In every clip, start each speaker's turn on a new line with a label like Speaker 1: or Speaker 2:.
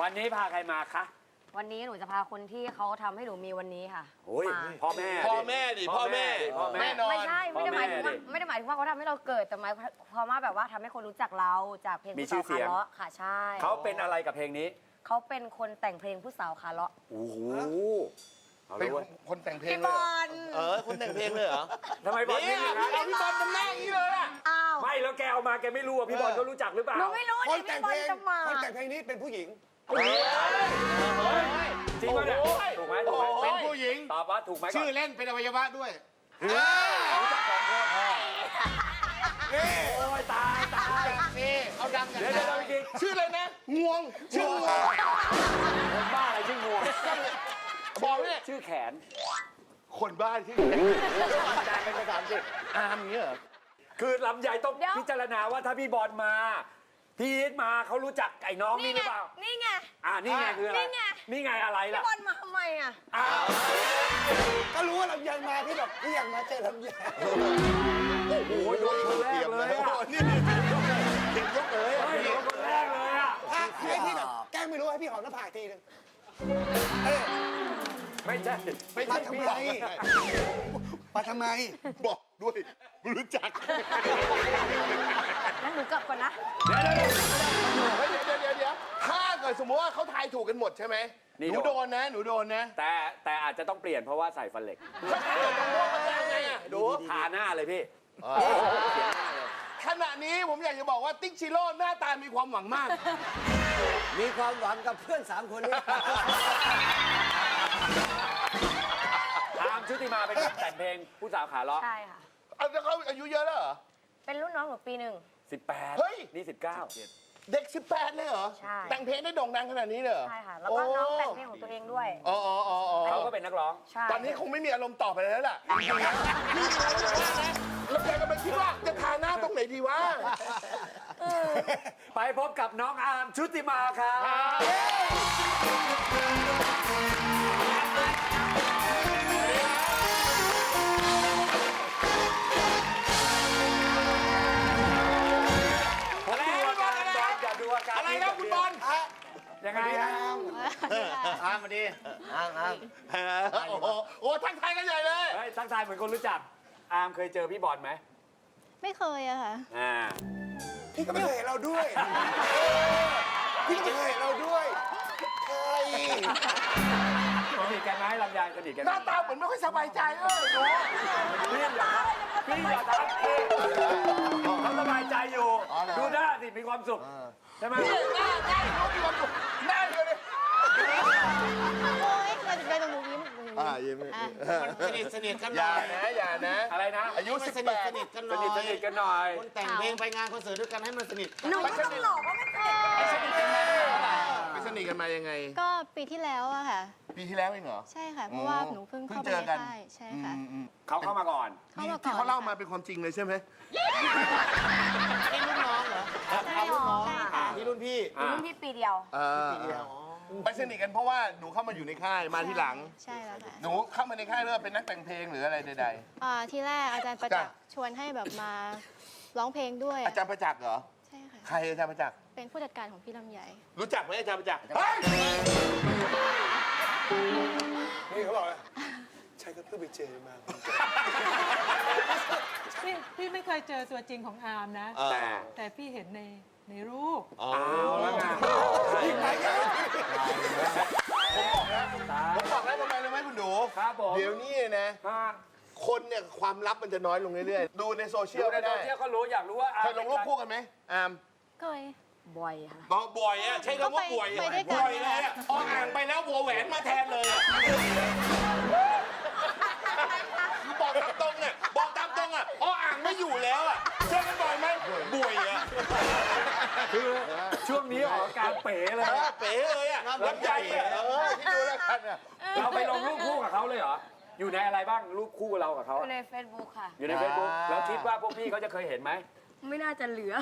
Speaker 1: วันนี้พาใครมาคะ
Speaker 2: วันนี้หนูจะพาคนที่เขาทำให้หนูมีวันนี้ค่ะ
Speaker 1: โอ้ยพ่อแม่
Speaker 3: ดิพ่อแม่แน่นอน
Speaker 2: ไม่ใช่ไม่ได้หมายถึงว่าเขาทำให้เราเกิดแต่หมายความว่าแบบว่าทำให้คนรู้จักเราจากเพลงผู้สาวขาเลาะค่ะใช่
Speaker 1: เขาเป็นอะไรกับเพลงนี้
Speaker 2: เขาเป็นคนแต่งเพลงผู้สาวขาเลาะ
Speaker 1: โอ้โห
Speaker 3: เป็นคนแต่งเพลง
Speaker 2: เลย
Speaker 3: คนแต่งเพลงเลยเหรอ
Speaker 1: ทำไมบอลนี่
Speaker 3: เอาพี่บอลทำหน้าอย่างนี้เลยอ่ะ
Speaker 1: ไม่แล้วแกเอามาแกไม่รู้อ่ะพี่บอลเขารู้จักหรือเปล่า
Speaker 2: หนูไม่รู้
Speaker 4: คนแต่งเพลงคนแต่งเพลงนี้เป็นผู้หญิง
Speaker 1: จริงป่ะเนี่ยถูกไหม
Speaker 3: เป็นผู้หญิง
Speaker 1: ตอบว่าถูกไหม
Speaker 3: ชื่อเล่นเป็นอวัยวะด้วย
Speaker 1: รู้จัก2 คนโอ้ยตาย
Speaker 3: นี่เอาดังกัน
Speaker 1: เดี๋ยวจริง
Speaker 3: ชื่ออะไรนะงวงชื่องวง
Speaker 1: คนบ้าอะไรชื่องวง
Speaker 3: บอกเนี่ย
Speaker 1: ชื่อแขน
Speaker 3: คนบ้าชื่อแขนเป็นภาษาอังกฤษอาร์มเงี้ยเหรอ
Speaker 1: คือลำใหญ่ต้องพิจารณาว่าถ้าพี่บอลมาพี่อีทมาเขารู้จักไอ้น้องนี่หรือเปล่า
Speaker 2: นี่ไง
Speaker 1: นี่ไงคืออะไรนี่ไงอะไรล่ะ
Speaker 2: พี่บอลมาทำไมอ่ะ
Speaker 4: ก็รู้ว่าลำไยมาพี่แบบพี่อยากมาเจอลำไย
Speaker 1: โอ้โหโดนคนแรกเลยอ่ะ
Speaker 3: นี่เด็กยกเลย
Speaker 1: โดนคนแรกเลยอ่ะ
Speaker 4: ให้พี่แบบแกล้งไม่รู้ให้พี่หอมหน้าผากทีนึง
Speaker 1: ไม่ใช่
Speaker 4: มาทำไมมาทำไม
Speaker 3: บอกด้วยไม่รู้จัก
Speaker 2: งั้นหนูกลับก่อนนะ
Speaker 3: เดี๋ยวถ้าเกิดสมมติว่าเขาทายถูกกันหมดใช่ไหมหนูโดนนะ
Speaker 1: แต่อาจจะต้องเปลี่ยนเพราะว่าใส่ฟันเหล็กดูทาหน้าเลยพี่
Speaker 3: ขณะนี้ผมอยากจะบอกว่าติ๊กชิโร่หน้าตามีความหวังมาก
Speaker 4: มีความหวังกับเพื่อน3 คนนี้
Speaker 1: อาร์มชุติมาเป็นคนแต่งเพลงผู้สาวขาเลาะ
Speaker 2: ใช่ค่ะ
Speaker 3: แล้วเขาอายุเยอะแล้วเหรอ
Speaker 2: เป็นรุ่นน้องหนูปี 1
Speaker 1: 18
Speaker 3: เฮ้ย
Speaker 1: นี่19
Speaker 3: เด็ก18เลยเหรอ
Speaker 2: ใช่
Speaker 3: แต่งเพลงได้โด่งดังขนาดนี้เลยเหรอ
Speaker 2: ใช่ค่ะแล้วก็น้องแต่งเพลงของตัวเองด้วย
Speaker 1: เขาก็เป็นนักร้อง
Speaker 3: ตอนนี้คงไม่มีอารมณ์ต่อไปแล้วล่ะแล้วแกก็ไปคิดว่าจะทาหน้าตรงไหนดีวะ
Speaker 1: ไปพบกับน้องอาร์มชุติมาครับ
Speaker 3: อะไรครับคุณบอล
Speaker 1: ยังไง
Speaker 4: อาร์มมาดีอาร์ม
Speaker 3: โอ้ทักทายกันใหญ่เลย
Speaker 1: ทักทายเหมือนคนรู้จักอาร์มเคยเจอพี่บอลไหม
Speaker 5: ไม่เคยอะค่ะ
Speaker 4: พี่ก็ไม่เคยเห็นเราด้วยพี่ก็ไม่เคยเห็นเราด้วยเคย
Speaker 1: สนิทกันไหมลำไยสนิทกัน
Speaker 3: หน้าตาเหมือนไม่ค่อยสบายใจดู
Speaker 1: พี่อย่าทักเขาสบายใจอยู่ดูหน้าสิมีความสุขใช่ไหม
Speaker 3: หน้ามีความสุขหน้าเลย
Speaker 5: โอ้ยเราจะไปตรงนู้น
Speaker 3: ยิ้ม
Speaker 4: สนิทกันห
Speaker 3: น่
Speaker 4: อย
Speaker 3: อย่านะ
Speaker 1: อะไรนะ
Speaker 3: อายุ18
Speaker 4: สนิทกันหน่อยคนแต่งเพลงไปงานคอนเสิร์ตด้วยกันให้มันสนิท
Speaker 2: หนูก็ต้องหลอกว่าไม่สนิท
Speaker 3: ไม่สนิทกันมายังไง
Speaker 5: ก็ปีที่แล้วอะค่ะ
Speaker 3: ปีที่แล้วเองเหรอ
Speaker 5: ใช่ค่ะเพราะว่าหนูเพิ่งเข้าไปในค่ายใช่ค่ะ
Speaker 1: เขาเข้ามาก่อน
Speaker 3: ที่เขาเล่ามาเป็นความจริงเลยใช่ไหม
Speaker 4: นี่รุ่นน้องเหรอรุ่นน้องนี่รุ่นพี่
Speaker 2: ปีเดียว
Speaker 3: ไปสนิทกันเพราะว่าหนูเข้ามาอยู่ในค่ายมาที่หลัง
Speaker 5: ใช่แล้วค่ะ
Speaker 3: หนูเข้ามาในค่ายเริ่มเป็นนักแต่งเพลงหรืออะไรใด
Speaker 5: ๆที่แรกอาจารย์ประจักษ์ชวนให้แบบมาร้องเพลงด้วย
Speaker 3: อาจารย์ประจักษ์เหรอ
Speaker 5: ใช่ค่ะ
Speaker 3: ใครอาจารย์ประจักษ์
Speaker 5: เป็นผู้จัดการของพี่ลำไย
Speaker 3: รู้จักไหมอาจารย์ประจักษ์
Speaker 4: นี่เขาบอกใช่ก็เพิ่งไปเจอมา
Speaker 6: พี่ไม่เคยเจอตัวจริงของอาร์มนะแต่พี่เห็นในรูป
Speaker 3: แล้วไงผมบอกแล้วทำไมรู้ไหมคุณดูเดี๋ยวนี้นะคนเนี่ยความลับมันจะน้อยลงเรื่อยๆดูในโซเชียลได้
Speaker 1: ในโซเชียลก็รู้อยากรู้ว่า
Speaker 3: เคยลงรูปคู่กันไหมอาร์ม
Speaker 5: เคย
Speaker 2: บ่อยค่ะ
Speaker 3: บ่อยอะใช้คำว่าบ่อยบ่อยเลยอะอ่านไปแล้ววัวแหวนมาแทนเลยอะบอกตามตรงเนี่ยบอกตามตรงอะอ่างไม่อยู่แล้วอะเจอกันบ่อยไหมบ่อยอะ
Speaker 1: คือช่วงนี้ออกการเป๋เลย
Speaker 3: เป๋เลยอะลำใจอะที่ดูแล้วกันอะ
Speaker 1: เราไปลงรูปคู่กับเขาเลยเหรออยู่ในอะไรบ้างรูปคู่เรากับเขา
Speaker 2: อยู่ใน Facebook ค่ะ
Speaker 1: อยู่ใน Facebook แล้วคิดว่าพวกพี่เขาจะเคยเห็นไหม
Speaker 2: ไม่น่าจะเหลือ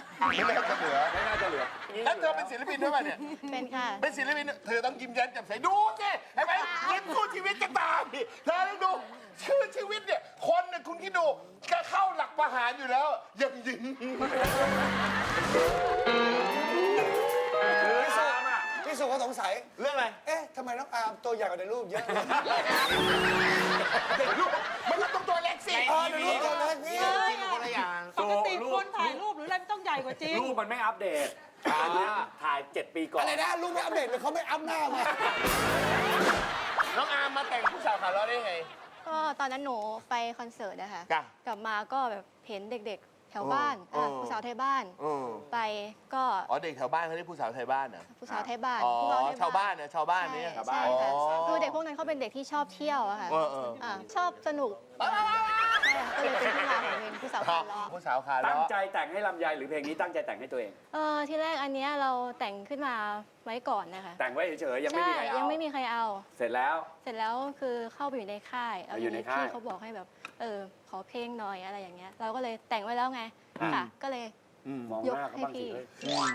Speaker 3: แล้วเธอเป็นศิลปินด้วยป่ะเนี่ย
Speaker 5: เป็นค่ะ
Speaker 3: เป็นศิลปินเธอต้องยิ้มแย้มแจ่มใสดูสิเห็นไหมยิ้มสู้ชีวิตจะตามเธอต้องดูชื่อชีวิตเนี่ยคนเนี่ยคุณคิดดูก็เข้าหลักประหารอยู่แล้วยังยิ้ม
Speaker 4: พี่สุก็สงสัยสัย
Speaker 3: เรื่องอะไร
Speaker 4: เอ๊ะทำไมน้องอาร์มตัวใหญ่กว่าในรูปเยอะเลย
Speaker 3: เด็กลูกมันก็ต้องตัวเล็กสิ
Speaker 4: ในรูปตัวเล็กนี่
Speaker 3: จริงคนละอย่าง
Speaker 6: ปกติคนถ่ายรูปหรืออะไรมันต้องใหญ่กว่าจริง
Speaker 1: รูปมันไม่อัปเดตอันเนี้ยถ่าย 7 ปีก่อน
Speaker 4: อะไรนะรูปไม่อัปเดตเลยเขาไม่อัพหน้ามา
Speaker 3: น้องอาร์มมาแต่งผู้สาวขาล้อได้ไง
Speaker 5: ก็ตอนนั้นหนูไปคอนเสิร์ตนะคะ
Speaker 3: จ้ะ
Speaker 5: กลับมาก็แบบเห็นเด็กๆ แถวบ้าน
Speaker 3: อ๋อ
Speaker 5: ผู้สาวไทยบ้าน ไปก็
Speaker 3: อ๋อเด็กแถวบ้านเขาเรียกผู้สาวไทยบ้านเหรอ
Speaker 5: ผู้สาวไทยบ้าน
Speaker 3: อ๋อ
Speaker 5: ผู้สไทย
Speaker 3: ชาวบ้านเนี่ยชาวบ้านเนี่ย
Speaker 5: ใช่ค่ะคือเด็กพวกนั้นเขาเป็นเด็กที่ชอบเที่ยวอะค่ะ ชอบสนุกใช่ค่ะก็เลยเป็นที่มาของเพลงผู้สาวขาล้อ
Speaker 3: ผู้สาวขา
Speaker 1: ตั้
Speaker 3: ล้
Speaker 1: ง
Speaker 3: อ
Speaker 1: ใจแต่งให้ลำไยหรือเพลงนี้ตั้งใจแต่งให้ตัวเอง
Speaker 5: ที่แรกอันเนี้ยเราแต่งขึ้นมาไว้ก่อนนะคะ
Speaker 1: แต่งไว้เฉยๆยังไม่
Speaker 5: ใช่
Speaker 1: มีใครเอา
Speaker 5: ยังไม่มีใครเอา
Speaker 1: เสร็จแล้ว
Speaker 5: เสร็จแล้วคือเข้าไปอยู่ในค่ายแล้ว
Speaker 1: อยู่ในค่าย
Speaker 5: พี่เขาบอกให้แบบขอเพลงหน่อยอะไรอย่างเงี้ยเราก็เลยแต่งไว้แล้วไงค่ะก็เลย
Speaker 1: มองหน้าเขาบ้างสิ
Speaker 5: ยกให้พี่
Speaker 1: เฮ้ย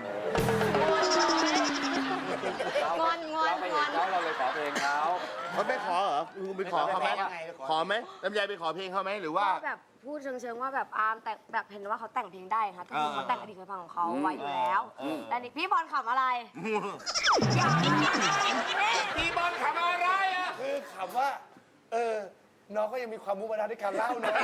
Speaker 5: งอน
Speaker 1: เราไปเห็นเขาเราเลยขอเพลงเขา
Speaker 3: เขาไม่ขอเหรอคุณไปขอเขาไหม
Speaker 1: ไม่ขอยังไง
Speaker 3: ขอไหมลำไยไปขอเพลงเขาไหมหรือว่า
Speaker 2: ก็แบบพูดเชิงๆว่าแบบอาร์มแต่งแบบเห็นว่าเขาแต่งเพลงได้ค่ะก็คือเขาแต่งอดีตเคยฟังของเขาไว้อยู่แล้วแต่นี่พี่บอลขำอะไร
Speaker 3: พี่บอลขำอะไรอ่ะ
Speaker 4: คือคำว่าน้องก็ยังมีความมุมานะในการเล่านะ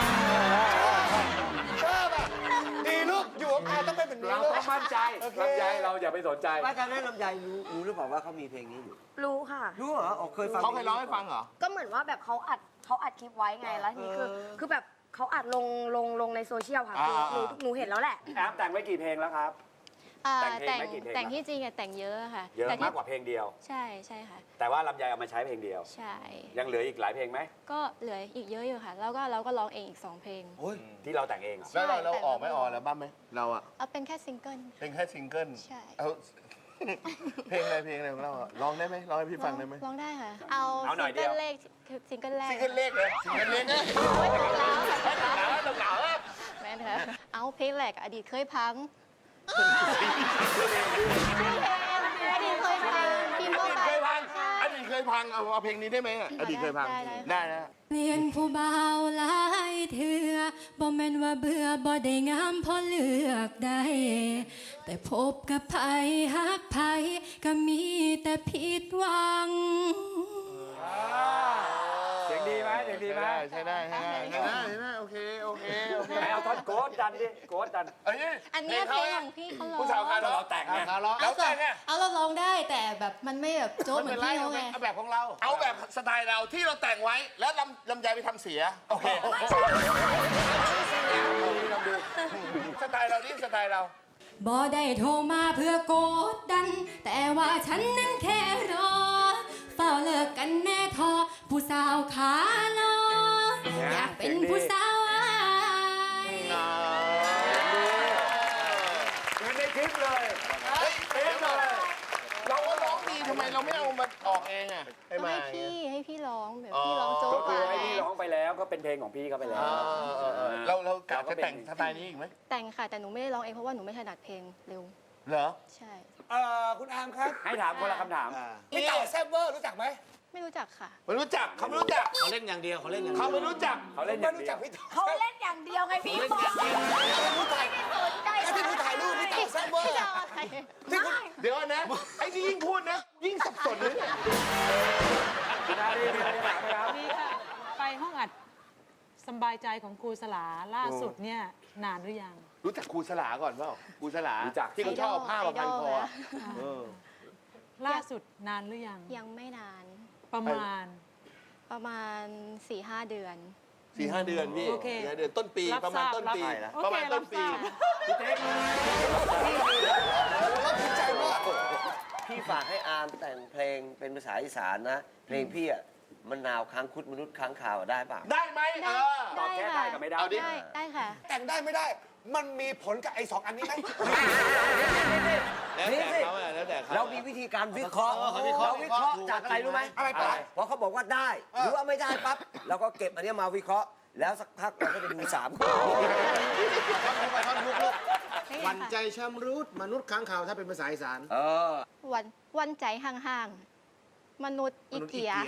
Speaker 4: ชอบอ่ะดีลูกอยู่กับอาต้องเป็นแบบนี้
Speaker 1: เรา
Speaker 4: ลูก
Speaker 1: ต้องมั่นใจ
Speaker 4: โอเค
Speaker 1: ลำไยเราอย่าไปสนใจ
Speaker 7: ว่าการนั้นลำไยรู้หรือเปล่าว่าเขามีเพลงนี้อยู่
Speaker 2: รู้ค่ะ
Speaker 7: รู้เหรออ๋อเคยฟัง
Speaker 3: เขาเคยร้องให้ฟังเหรอ
Speaker 2: ก็เหมือนว่าแบบเขาอัดคลิปไว้ไงแล้วทีนี้คือแบบเขาอัดลงในโซเชียลค่ะคือหนูเห็นแล้วแหละ
Speaker 1: แอปแต่งไว้กี่เพลงแล้วครับ แต่งเพลง
Speaker 5: แต่ง
Speaker 1: ไม่กี่เพลง
Speaker 5: แต่งที่จริงอะแต่งเยอะค่ะ
Speaker 1: เยอะ
Speaker 5: แต่ที่
Speaker 1: มากกว่าเพลงเดียว
Speaker 5: ใช่ใช่ค่ะ
Speaker 1: แต่ว่าลำไยเอามาใช้เพลงเดียว
Speaker 5: ใช่
Speaker 1: ยังเหลืออีกหลายเพลงไหม
Speaker 5: ก็เหลืออีกเยอะอยู่ค่ะ แล้วก็เราก็ร้องเองอีก 2 เพลง
Speaker 1: ที่เราแต่งเองเหรอ
Speaker 3: แล้วเรา
Speaker 5: ใช่
Speaker 3: ออกไหมออกแล้วบ้างไหมเราอะ
Speaker 5: เอาเป็นแค่ซิงเกิล
Speaker 3: เป็นแค่ซิงเกิล
Speaker 5: ใช่
Speaker 3: เอา เพลงอะไรของเราอะร้องได้ไหมร้องให้พี่ฟังได้ไหม
Speaker 5: ร้องได้ค่ะ เอา
Speaker 1: หน่อย
Speaker 5: ซิง
Speaker 1: เดี
Speaker 5: เกิ
Speaker 1: ยว
Speaker 5: ลแรกซิงเกิลแรก
Speaker 3: ซิงเกิลเลขเลยซิงเกิลเลขเนี่ย
Speaker 5: ไม่ถูกแล้วค่ะ
Speaker 3: ต้องเหงาอะ
Speaker 5: แม่นค่ะเอาเพลงแรกอดีตเคยพังอดีตเคยพังพิมพ์เข้าไป
Speaker 3: เคยพัง
Speaker 5: ใช่
Speaker 3: อดีตเคยพังเอาเพลงนี้ได้ไหมอะอดีตเคยพัง ได้นะ
Speaker 8: เปลี่ยนผู้บ่าวหลายเถื่อบ่แม่นว่าเบื่อบ่ได้งามพอเลือกได้ แต่พบกับไผฮักไผก็มีแต่ผิดหวัง
Speaker 1: เสียงดีไหมเสียงดีไหม
Speaker 3: ใช่ได้โอเค
Speaker 1: ไหนเอาท่อนโกดดันดิโกดดัน
Speaker 5: อันเนี้ยเพลงของพี่เขาร้อง
Speaker 3: ผู้สาวขาล้อ
Speaker 1: เราแต่งไง
Speaker 3: ขาล้อแล้วแต่งไง
Speaker 8: เอาเราร้องได้แต่แบบมันไม่แบบโจ๊กเหมือนพี่เขาไง
Speaker 3: เอาแบบของเรา เอาแบบสไตล์เราที่เราแต่งไว้แล้วลำไยไปทำเสีย โอเคสไตล์เรานี่สไตล์เรา
Speaker 8: บ่ได้โทรมาเพื่อกดดัน แต่ว่าฉันนั้นแค่รอเฝ้าเลิกกันแน่ทอผู้สาวขาลออยากเป็นผู้สาวอาย
Speaker 1: เหมือนในคลิปเลย
Speaker 3: เป๊ะเลย เราก็ร้องดีทำไมเราไม่เอามาออกเองอ่ะให้
Speaker 5: ก็
Speaker 3: มา
Speaker 5: ให้พี่ร้องแบบพี่ร้องโจ๊
Speaker 1: ก็
Speaker 5: ก
Speaker 1: คือ
Speaker 5: มา
Speaker 1: ให้พี่ร้องไปแล้วก็เป็นเพลงของพี่เขาไปแล้ว
Speaker 3: เรากะจะแต่งสไตล์นี้อีกไหม
Speaker 5: แต่งค่ะแต่หนูไม่ได้ร้องเองเพราะว่าหนูไม่ถนัดเพลงเร็ว
Speaker 3: เหรอ
Speaker 5: ใช่
Speaker 4: คุณอาร์มครับ
Speaker 1: ให้ถามคนละคำถาม
Speaker 4: พี่เต่าแซ่บเวอร์รู้จักไหม
Speaker 5: ไม่รู้จักค่ะ
Speaker 3: ไม่รู้จักเขาไม่รู้จัก
Speaker 7: เขาเล่นอย่างเดียวเขาเล่นอย่างเดี
Speaker 3: เขา
Speaker 7: ยว
Speaker 3: ไม่รู้จัก
Speaker 1: เขาเล่นอ
Speaker 4: ไม่
Speaker 1: ย่าง
Speaker 4: รู้
Speaker 1: เดี
Speaker 4: จั
Speaker 1: ย
Speaker 4: ก
Speaker 1: ว
Speaker 4: พี่เต่า
Speaker 2: เขาเล่นอย่างเดียวไงพี่บอล
Speaker 4: ผู้ถ่าย
Speaker 2: สนใจ
Speaker 4: ไอ้ที่ผู้ถ่ายรูปพี่เต่าแซ่บเวอร์
Speaker 5: จะเอาอะไร
Speaker 3: เดี๋ยวนะ ไอ้ที่ยิ่งพูดนะ ยิ่งสับสนเลยเนี่ย
Speaker 1: คุณอารีมีอะไรจะถามไหมครับ
Speaker 6: นี่ค่ะ ไปห้องอัดสำบายใจของครูสลาล่าสุดเนี่ยนานหรือยัง
Speaker 3: รู้จักครูสลาก่อนเปล่าครูสลา
Speaker 1: รู้จัก
Speaker 3: ที่เขาชอบเอาผ้ามาพันคอ
Speaker 6: ล่าสุดนานหรือยัง
Speaker 5: ยังไม่นาน
Speaker 6: ประมาณ
Speaker 5: ประมาณ 4-5 เดือน
Speaker 3: 4-5 เดือนพี่
Speaker 6: โอเค
Speaker 3: 4-5เดือนต้นปี
Speaker 6: รับ
Speaker 3: ประมาณ
Speaker 6: ทราบ
Speaker 3: ต้นปี
Speaker 6: รับ
Speaker 3: ประมาณ
Speaker 6: โอเค
Speaker 3: ต้นปี
Speaker 6: รับทราบ
Speaker 4: ภูมิใจมาก
Speaker 7: พี่ฝากให้อาร์มแต่งเพลงเป็นภาษาอีสานนะ เพลงพี่อะมะนาวค้างคุดมนุษย์ค้างคาวได้เปล่า
Speaker 3: ได้ไหม
Speaker 1: ตอบแค่ได้กับไม่ได้
Speaker 3: เอาดิ
Speaker 5: ได้ค่ะ
Speaker 4: แต่งได้ไม่ได้ มันมีผลกับไอ้2 อันนี้ไหม
Speaker 3: แล้วแต่เขาอะแล้วแต่เขา
Speaker 7: เรามีวิธีการวิเคราะห์
Speaker 3: เขาวิเคราะห์
Speaker 7: เราวิเคราะห์จากอะไรรู้ไหม
Speaker 4: อะไรปะ
Speaker 7: พอเขาบอกว่าได้ หรือว่าไม่ได้ปั๊บเราก็เก็บอันเนี้ยมาวิเคราะห์ แล้วสักพักเราก็จะดู3ข้อ
Speaker 5: หวั่นใจ
Speaker 9: ชำรุดมนุษย์ค้างคาวถ้าเป็นภาษาอีสาน
Speaker 5: วันใจห่างๆ มนุษย์อีเกีย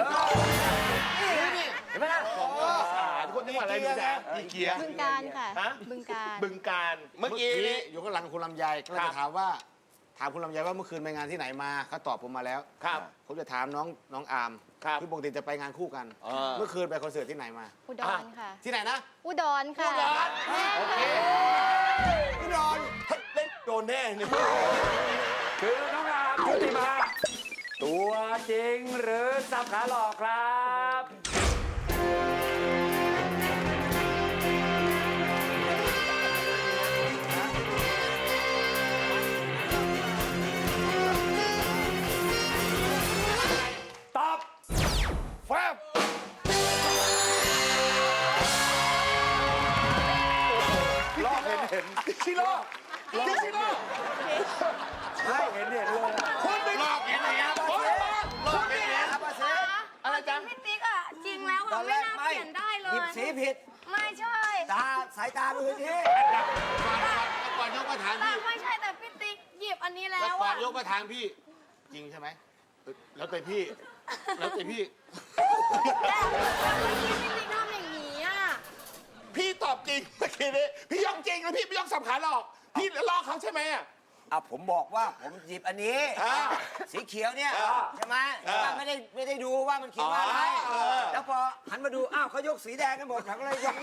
Speaker 7: เห็นไหมล่ะ
Speaker 3: คนจังหวัดอะไรดูแลอีเกีย
Speaker 5: บึงการค่ะ
Speaker 3: ฮะ
Speaker 5: บึงการ
Speaker 3: บึงการ เมื่อกี้นี้
Speaker 9: อยู่ข้างหลังคุณลำไยก็เลย
Speaker 3: ครับ
Speaker 9: จะถามว่าถามคุณลำไยว่าเมื่อคืนไปงานที่ไหนมาเขาตอบผมมาแล้ว
Speaker 3: ครับ
Speaker 9: ผมจะถามน้องอาร์ม
Speaker 3: ครับ
Speaker 9: คือปกติจะไปงานคู่กัน เมื่อคืนไปคอนเสิร์ตที่ไหนมา
Speaker 5: อุดรค่ะ
Speaker 9: ที่ไหนนะ
Speaker 5: อุดรค่ะ
Speaker 9: โอเคอุดร
Speaker 3: เล่นโดนแน่เนี่ย
Speaker 1: คือน้องอาร์มชุติมา ตัวจริงหรือสับขาหลอกครับ ตอบ
Speaker 3: แฟบลอกเห็นชิโร่ชิโร่
Speaker 1: ให้เห็นเลย
Speaker 3: คุณไปลอกเห็นไหมครับคุณไปอะไรจ๊ะ
Speaker 2: พี่ติ๊กอ่ะ จริงแล้ว
Speaker 7: ตอ
Speaker 2: อ่ะ
Speaker 7: นแร
Speaker 2: ไม่
Speaker 7: ก
Speaker 2: น่า
Speaker 7: ไม่
Speaker 2: เปลี่ยนได้เล
Speaker 7: หยิ
Speaker 2: ย
Speaker 7: บสีผิด
Speaker 2: ไม่ใช่
Speaker 7: สายตาดูที่
Speaker 9: ก่อนยกมาถาม
Speaker 2: แต่
Speaker 9: พี่
Speaker 2: ไม่ใช่แต่พี่ติ๊กหยิบอันนี้แล้
Speaker 9: แล้ว
Speaker 2: ว
Speaker 9: ก่อ
Speaker 2: อ่ะ
Speaker 9: นยกมาถามพี่ จริงใช่ไหมแล้วแต่พี่ แล้วแต่พี่
Speaker 2: แต่เมื่อกี้พี่ติ๊กทำอย่างนี้อ่ะ
Speaker 3: พี่ตอบจริงเมื่อกี้นี้พี่ยกจริงแล้วพี่ไม่ยกสับขาหลอกพี่ลอกเขาใช่ไหมอ่ะ
Speaker 7: ผมบอกว่าผมหยิบอันนี้ สีเขียวเนี่ยใช่ไหมแต่ว่าไม่ได้ดูว่ามันเขียนว่าอะไร แล้วพอหันมาดูอ้าวเขายกสีแดงกันหมดผมก็เลยยก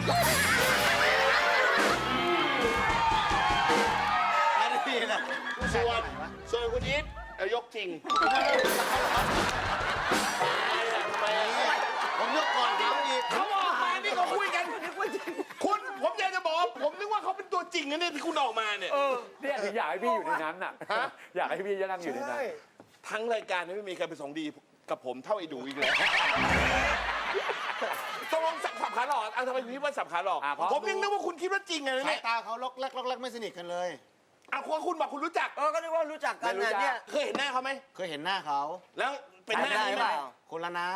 Speaker 3: อันนี้นะส่วนคุณอีทยกจริงผมยกก่อนเขาอีกเขาออกมานี่เขาคุยกันคุณผมอยากจะบอกผมนึกว่าเขาเป็นตัวจริงนะเนี่ยที่คุณออกมาเนี่ย
Speaker 1: เนี่ยถึงอยากให้พี่อยู่ในนั้นน่ะ อยากให้พี่นั่งอยู่ในนั้น
Speaker 3: ทั้งรายการไม่มีใครไปส่งดีกับผมเท่าไอ้ดูอีกเลยตกลงสับขาหลอกทำไมคุณคิดว่าสับขาหลอกผมยังนึกว่าคุณคิดว่าจริงไง
Speaker 9: สาย
Speaker 3: เนี่ย
Speaker 9: ตาเขาล็อกแรกไม่สนิทกันเลย
Speaker 3: คุณบอกคุณรู้จัก
Speaker 7: ก็นึกว่ารู้จักกันนะเนี่ย
Speaker 3: เคยเห็นหน้าเขาไหม
Speaker 9: เคยเห็นหน้าเขา
Speaker 3: แล้วเป็นหน้านี้ไหม
Speaker 9: คนละหน้า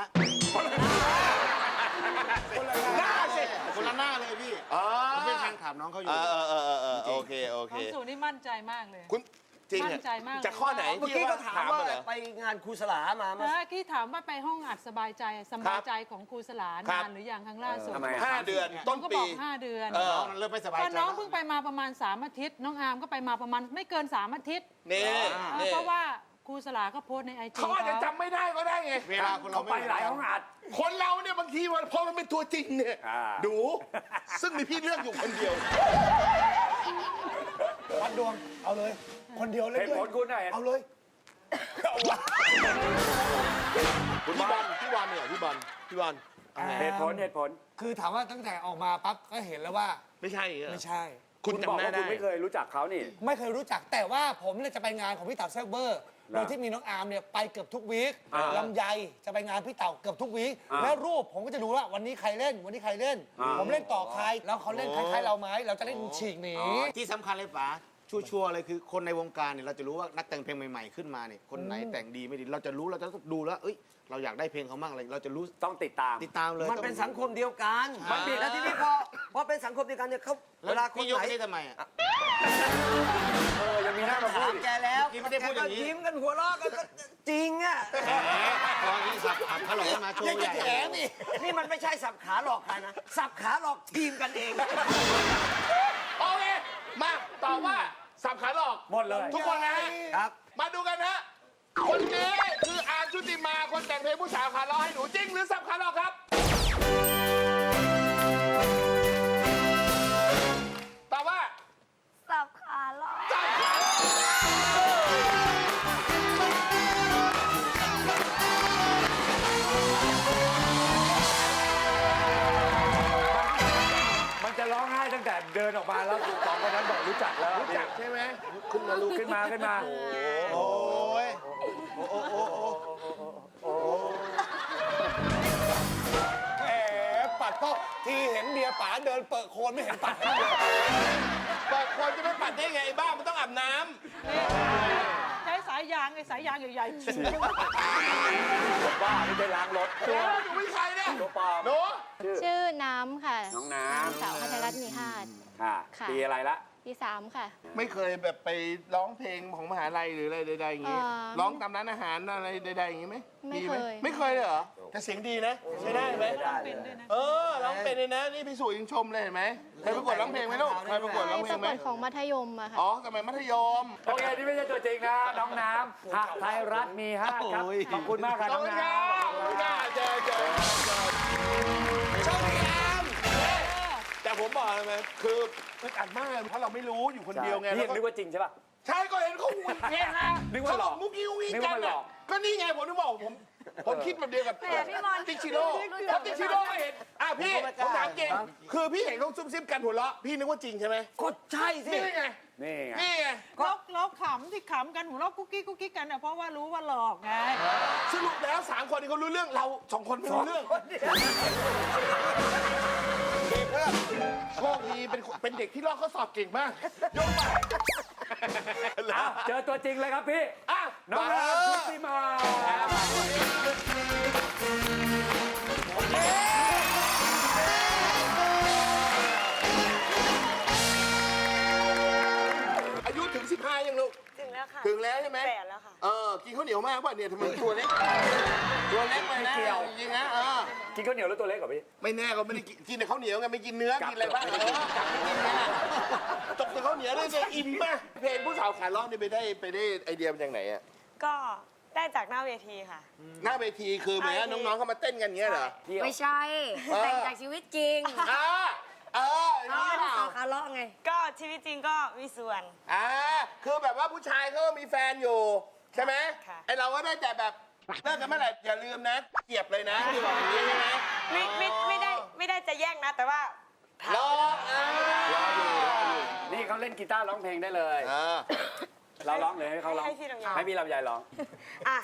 Speaker 3: หน้าสิ
Speaker 9: คนละหน้าเลยพี่ผมเป็นแฟนคลับน้องเขาอยู่
Speaker 3: โอเคโอเค
Speaker 6: น้องสูนี่มั่นใจมากเลย
Speaker 3: คุณจริง
Speaker 6: มั่นใจมากเลย
Speaker 3: จากข้อไหน
Speaker 7: เมื่อกี้ก็ถามว่า
Speaker 3: เหรอ
Speaker 7: ไปงานครูสลามาไหม
Speaker 6: นะที่ถามว่าไปห้องอัดสบายใจของครูสลา
Speaker 3: ครับ
Speaker 6: นานหรือยังครั้งล่าสุด
Speaker 1: ทำไม
Speaker 3: 5 เดือน
Speaker 6: น้
Speaker 3: ต้
Speaker 6: อน งก็บ
Speaker 3: ปี
Speaker 6: อก5 เดือน
Speaker 9: น้องนั้นเริ่มไม่สบาย
Speaker 6: ก็
Speaker 9: ใจ
Speaker 6: น้องเพิ่งไปมาประมาณ3 อาทิตย์ น้องอาร์มก็ไปมาประมาณไม่เกิน3 อาทิตย์
Speaker 3: นี่นี่
Speaker 6: เพราะว่าครูสลาก็โพสต์ในไอจี
Speaker 3: เขาอาจจะจำไม่ได้ก็ได้ไง
Speaker 9: เวลาคนเรา
Speaker 1: เขาไปหลายห้องอัด
Speaker 3: คนเราเนี่ยบางทีพอมันเป็นตัวจริงเนี่ย ดู ซึ่งมีพี่เลือกอยู่คนเดียว
Speaker 4: วัดดวง เอาเลย คนเดียวเลย
Speaker 1: เหตุผลคุณน่ะ
Speaker 4: เอาเลย
Speaker 3: พี่บอลเนี่ยพี่บอล
Speaker 1: เหตุผล
Speaker 4: คือถามว่าตั้งแต่ออกมาปั๊บก็เห็นแล้วว่า
Speaker 3: ไม่ใช่เหรอ
Speaker 4: ไม่ใช่
Speaker 3: คุณ
Speaker 1: คุณบอก
Speaker 3: จำหน้า
Speaker 1: ว่า
Speaker 3: ได้
Speaker 1: คุณไม่เคยรู้จักเขานี่
Speaker 4: ไม่เคยรู้จักแต่ว่าผมเนี่ยจะไปงานของพี่เต๋าแซกเบอร์โดยที่มีน้องอาร์มเนี่ยไปเกือบทุกวีคลำไยจะไปงานพี่เต๋าเกือบทุกวีคแล้วรูปผมก็จะดูว่าวันนี้ใครเล่น วันนี้ใครเล่น ผมเล่นต่อใครแล้วเขาเล่นคล้ายๆเราไหมเราจะเล่นฉีกหนี
Speaker 9: ที่สำคัญเลยป๋าชัวร์ๆเลยคือคนในวงการเนี่ยเราจะรู้ว่านักแต่งเพลงใหม่ๆขึ้นมาเนี่ยคนไหนแต่งดีไม่ดีเราจะรู้เราจะดูแล้วเอ้ยเราอยากได้เพลงเขามั่งอะไรเราจะรู้
Speaker 1: ต้องติดตาม
Speaker 9: ติดตามเลย
Speaker 7: มันเป็นสังคมเดียวกัน
Speaker 9: มันมี
Speaker 7: แล้วทีนี้พอเป็นสังคมเดียวกันเนี่ยเขาเว
Speaker 9: แล้ว
Speaker 7: ลาคน
Speaker 9: พี่ยก
Speaker 7: ไหน
Speaker 9: ให้ทำไมอ่ะ
Speaker 1: ยังมีหน้ามาพู
Speaker 7: ถา
Speaker 1: ด
Speaker 7: มแกแล้ว
Speaker 9: เมื่อกี้ไม่ได้พูดอย่างนี้
Speaker 7: แกก็ยิ้มกันหัวเราะกันก็จริงอ่ะ
Speaker 9: ตอนนี้สับขาหลอกมาโชว์ใหญ่
Speaker 7: นี่มันไม่ใช่สับขาหลอกใครนะ สับขาหลอกทีมกันเอง
Speaker 3: โอเค มาตอบว่าสับขาหลอก
Speaker 1: หมดเลย
Speaker 3: ทุกคนนะฮะ
Speaker 7: ครับ
Speaker 3: มาดูกันนะ คนนี้คืออาร์มชุติมาคนแต่งเพลงผู้สาวขาล้อให้หนูจริงหรือสับขาหลอกครับ ตอบว่า
Speaker 2: สับขาหลอก
Speaker 3: สับขาหลอก
Speaker 1: มันจะร้องไห้ตั้งแต่เดินออกมาแล้วสองคนนั้นบอกรู้จักแล้ว
Speaker 3: รู้จักใช่ไหม
Speaker 1: ขึ้นมาลุกขึ้นมา
Speaker 9: โอ้ย
Speaker 4: แหมปัดก็ทีเห็นเบียร์ป๋าเดินเปิดโคนไม่เห็นปัดให้เลย
Speaker 3: เปิดคนจะไม่ปัดได้ไงไอ้บ้ามันต้องอาบน้
Speaker 6: ใช้สายยางใหญ่ๆฉีด
Speaker 1: บ้าไม่ได้ล้างรถ
Speaker 3: ำหนูเป็นใครเนี่ย
Speaker 1: ตัวปลอม
Speaker 3: หนู
Speaker 5: ชื่อน้ำค่ะ
Speaker 1: น้องน้ำ
Speaker 5: สาวพัทรรัตน์มีหาด
Speaker 1: ค่ะ
Speaker 5: ค่ะ
Speaker 1: ปีอะไรละ
Speaker 5: ปี 3 ค่ะ
Speaker 3: ไม่เคยแบบไปร้องเพลงของมหาลัยหรืออะไรใดๆอย่างงี้ ร้องตามร้านอาหารอะไรใดๆอย่างงี้ไหม
Speaker 5: ไม่
Speaker 3: ห
Speaker 5: เคย
Speaker 3: ไม่เคยเลยเหรอแต่เสียงดีนะใช้ได้ไหม
Speaker 6: เป็นด้วยนะ
Speaker 3: ร้องเป็นเลยนะนี่พี่สุยังชมเลยเห็นไหมเคยประกวดร้องเพลงไหมลูกเคยประกวดร้องเพล
Speaker 5: ป
Speaker 3: ง
Speaker 5: ระ
Speaker 3: ไห
Speaker 5: ก
Speaker 3: ม
Speaker 5: วดของมัธยมอะค่ะ
Speaker 3: อ๋อสมัยมัธยม
Speaker 1: โอเค นี่ไม่ใช่ตัวจริงนะ น้องน้ำหะไทยรัฐมี5ครับ ขอบคุณมากครับ
Speaker 3: ขอ
Speaker 1: น้
Speaker 3: บ
Speaker 1: อง
Speaker 3: คุณ
Speaker 1: น้
Speaker 3: ครับขอบคุณครับเจอโชคดีครับแต่ผมบอกเลยไหมคืออึดอัดมากเลยเพราะเราไม่รู้อยู่คน
Speaker 1: ำ
Speaker 3: เดียวไง
Speaker 1: นี่
Speaker 3: แล้ว
Speaker 1: นึก
Speaker 3: ก็
Speaker 1: ว่าจริงใช่ป่ะ
Speaker 3: ใช่ก็เห็นเขาวิ่งเนี่ยฮะ
Speaker 1: นึกว่าหลอก
Speaker 3: เขบมุกยิ้ววิ่ง
Speaker 1: นึก
Speaker 3: กั
Speaker 1: ว่าน หล
Speaker 3: น่ะ
Speaker 1: อก
Speaker 3: ก็นี่ไงผมถึงบอกผมคิดแบบเดียวกับ
Speaker 2: แหมพี่บอล
Speaker 3: ติ๊กชิโร่เพราะติ๊กชิโร่เห็นพี่ผมถามจริงคือพี่เห็นเขาซุ่มซิมกันหัวเราะพี่นึกว่าจริงใช่ไหม
Speaker 7: ก็ใช่สิ
Speaker 3: นี่ไง
Speaker 1: นี่ไง
Speaker 3: นี่ไง
Speaker 6: เราขำที่ขำกันหัวเราะกุ๊กกิ๊กกันอ่ะเพราะว่ารู้ว่าหลอกไง
Speaker 3: สรุปแล้ว3 คนนี้เขารู้เรื่องเรา2 คนไม่รู้เรื่องโชคดีเป็นเด็กที่ลอกข้อสอบเก่งมากยกไป
Speaker 1: อ้าวเจอตัวจริงเลยครับพี่
Speaker 3: อ่ะ
Speaker 1: น้อง
Speaker 3: มา
Speaker 1: น้ำชุติมา
Speaker 3: อายุถึง15ยังลูก
Speaker 2: ถึงแล้วค่ะ
Speaker 3: ถึงแล้วใช่ไหม
Speaker 2: 8แล้วค่ะ
Speaker 3: กินข้าวเหนียวมากป่ะเนี่ยทำไมตัวเล็กตัวเล็กไปนะจริงๆนะ
Speaker 1: กินข้าวเหนียวแล้วตัวเล็กกว่าพี่
Speaker 3: ไม่แน่ก็ไม่ได้กินแต่ข้าวเหนียวไงไม่กินเนื้อกินอะไรบ้างกลับไม่กินไงตกแต่ข้าวเหนียวได้จะอิ่มมากเพลงผู้สาวขาล้อนี่ไปได้ไอเดียมาจากไหนอะ
Speaker 10: ก็ได้จากหน้าเวทีค่ะ
Speaker 3: หน้าเวทีคือเหมือนน้องๆเขามาเต้นกันเงี้ยเหรอ
Speaker 2: ไม่ใช่แต่งจากชีวิตจริง
Speaker 3: นี่เปล่า
Speaker 2: สาวคาร์เลาะไง
Speaker 10: ก็ชีวิตจริงก็มีส่วน
Speaker 3: คือแบบว่าผู้ชายเขามีแฟนอยู่ใช่ไหม
Speaker 10: ค่ะ
Speaker 3: ไอเราก็ได้แต่แบบเลิกกันเมื่อไหร่อย่าลืมนะเกียบเลยนะที่บอกอย่างนี้ใช่ไหม
Speaker 10: ไม่ได้จะแย่งนะ แต่ว่าถาม
Speaker 3: รออยู่
Speaker 1: นี่เขาเล่นกีตาร์ร้องเพลงได้เลย เราร้องเลยให้เขาร้อง
Speaker 10: ให้พี่ลำไย
Speaker 1: ให้พี่ลำไยร้อง
Speaker 10: อ่ะ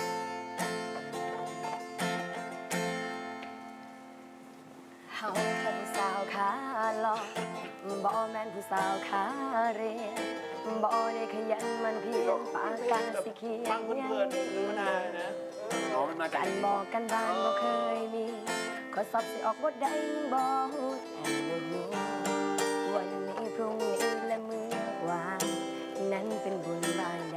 Speaker 2: เฮาแค่ผู้สาวขาหลอกบ่แม่นผู้สาวขาเรียนบ่ได้ขยันมันเพียงปากกาสิเขียน
Speaker 3: ฟังเพื่อนๆมันได้นะ
Speaker 1: อ๋อ มันมาจาก
Speaker 2: การบอกกันบ้านบ่เคยมีข้อสอบสิออกบ่ได้ยังบ่ฮู้แต่บ่ฮู้วันนี้พรุ่งนี้และมื้อวานนั้นเป็นบุญบานใด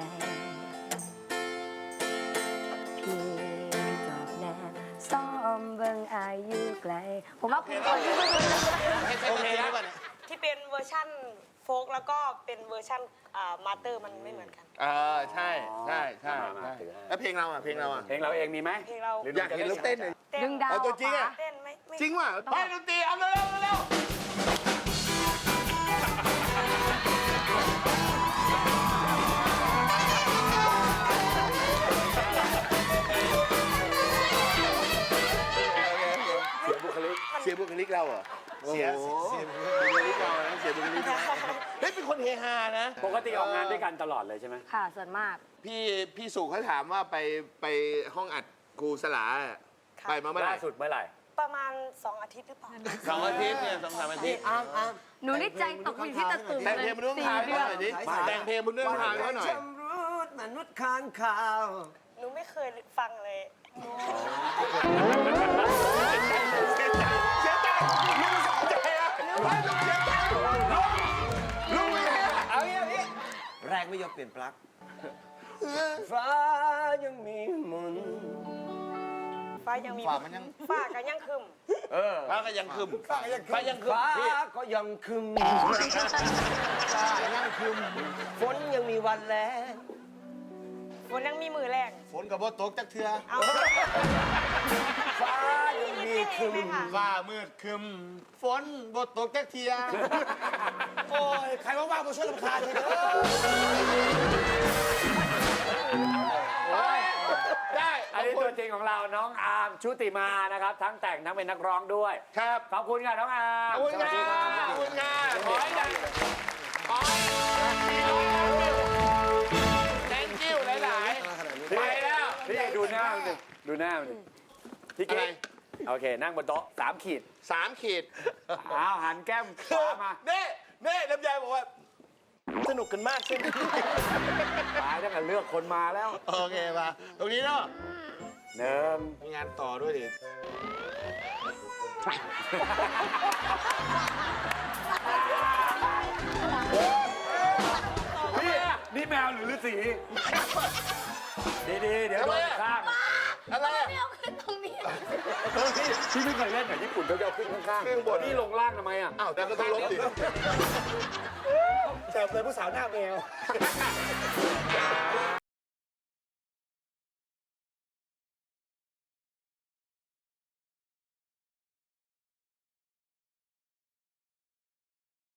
Speaker 2: พี่จอบแน่ซ้อมเบิ่งอายุไกลผมว่าคุณคนที่ไม่รู้
Speaker 3: โอเคแล้วป่ะเนี่ย
Speaker 10: ที่เป็นเวอร์ชั่นโฟกแล้วก็เป็นเวอร์ชั่นมาสเตอร์มันไม่เหมือนกัน
Speaker 3: ใช่แล้วเพลงเราอ่ะเพลงเราอ่ะ
Speaker 1: เพลงเราเองมีไหม
Speaker 10: เพลงเรา
Speaker 3: อยากเห็นเราเต้นเลย
Speaker 10: เต้น
Speaker 2: ดึงดาว
Speaker 3: เอาตัวจริงอะ
Speaker 10: เต้นไม่
Speaker 3: จริงว่ะไปดนตรีเอาเร็วเสียบุคลิกเราเหรอเสียบุคลิกเรานะเสียบุคลิกเราเฮ้ยเป็นคนเฮฮานะ
Speaker 1: ปกติออกงานด้วยกันตลอดเลยใช่ไหม
Speaker 2: ค่ะส่วนมาก
Speaker 3: พี่สุเขาถามว่าไปห้องอัดครูสลาไปมาเมื่อไห
Speaker 1: ล่า
Speaker 3: ร่
Speaker 1: สุดเมื่อไหร่
Speaker 10: ประมาณ2 อาทิตย์หรือเปล่า
Speaker 3: 2 อาทิตย์เนี่ย2-3 อาทิตย์
Speaker 2: หนูนี่ใจตกอยู่ที่ตะตุ่ม
Speaker 3: แต่งเพลงบนเรื่องทางเขาหน่อยดิแต่งเพลงบนเรื่องทางเขาหน่อย
Speaker 7: ชำรุดมนุษย์ค้างคาว
Speaker 10: หนูไม่เคยฟังเลย
Speaker 3: เสียใจลุงสนใจอะลุงเสียใจลุงไม่ได้
Speaker 7: เอาอย่างนี้แรงไม่ยอมเปลี่ยนปลั๊กฟ้ายังมีมนต์
Speaker 10: ฟ้ายังมี
Speaker 3: ฝ่ามันยัง
Speaker 10: ฟ้ากันยังคึม
Speaker 3: ฟ้าก็ยังคึมฟ้ายังคึม
Speaker 7: ฟ้า
Speaker 3: พี่
Speaker 7: ก็ยังคึมฟ้ายังคึมฝนยังมีวันแล้ง
Speaker 10: ฝนยังมีมือแรง
Speaker 9: ฝนกับว่าตกจักเทือ
Speaker 10: เอา
Speaker 7: ฟ้ายังมีคึม
Speaker 9: ฟ้ามืดครึมฝนบดตกจักเทียโอ้ยใครว่างๆมาช่วยรำคาญทีเด้อ
Speaker 3: ได้
Speaker 1: อันนี้ตัวจริงของเราน้องอาร์มชุติมานะครับ ทั้งแต่งทั้งเป็นนักร้องด้วย
Speaker 3: ครับ
Speaker 1: ขอบคุณค่ะน้องอาร์ม
Speaker 3: ขอบคุณ
Speaker 1: สวัสดี
Speaker 3: ค่ะ
Speaker 1: ครับ
Speaker 3: ขอบคุณค่ะขอให้ดังขอให้ thank you หลายๆไปแล้ว
Speaker 1: พี่ดูหน้ามันดิดูหน้ามันดิพี่
Speaker 3: อะไร
Speaker 1: กิ๊กโอเค นั่งบนโต๊ะ3 ขีด
Speaker 3: 3 ขีด
Speaker 1: อ้าวหันแก้มขวามา
Speaker 3: เน่ลำไยบอกว่า สนุกกันมากใช่ไหม
Speaker 1: ตายตั้งแต่เลือกคนมาแล้ว
Speaker 3: โอเคมาตรงนี้เนาะ
Speaker 1: หนึ่ง
Speaker 9: มีงานต่อด้วยดิ
Speaker 1: พี่นี่แมวหรือฤาษีดีๆเดี๋ยวโดนข้าง
Speaker 3: อะไรอะ
Speaker 2: ไม่เอาขึ้นตรงนี้
Speaker 1: พี่ไม่เคยเล่นแบบญี่ปุ่นเขาจะเอาขึ้นข้าง
Speaker 3: ขึ้นข้างบน
Speaker 1: นี่ลงล่างทำไมอ่ะ
Speaker 3: อ้าวแต่ก็ต้องลบดิ
Speaker 4: แต่เป็นผู้สาวหน้าแมว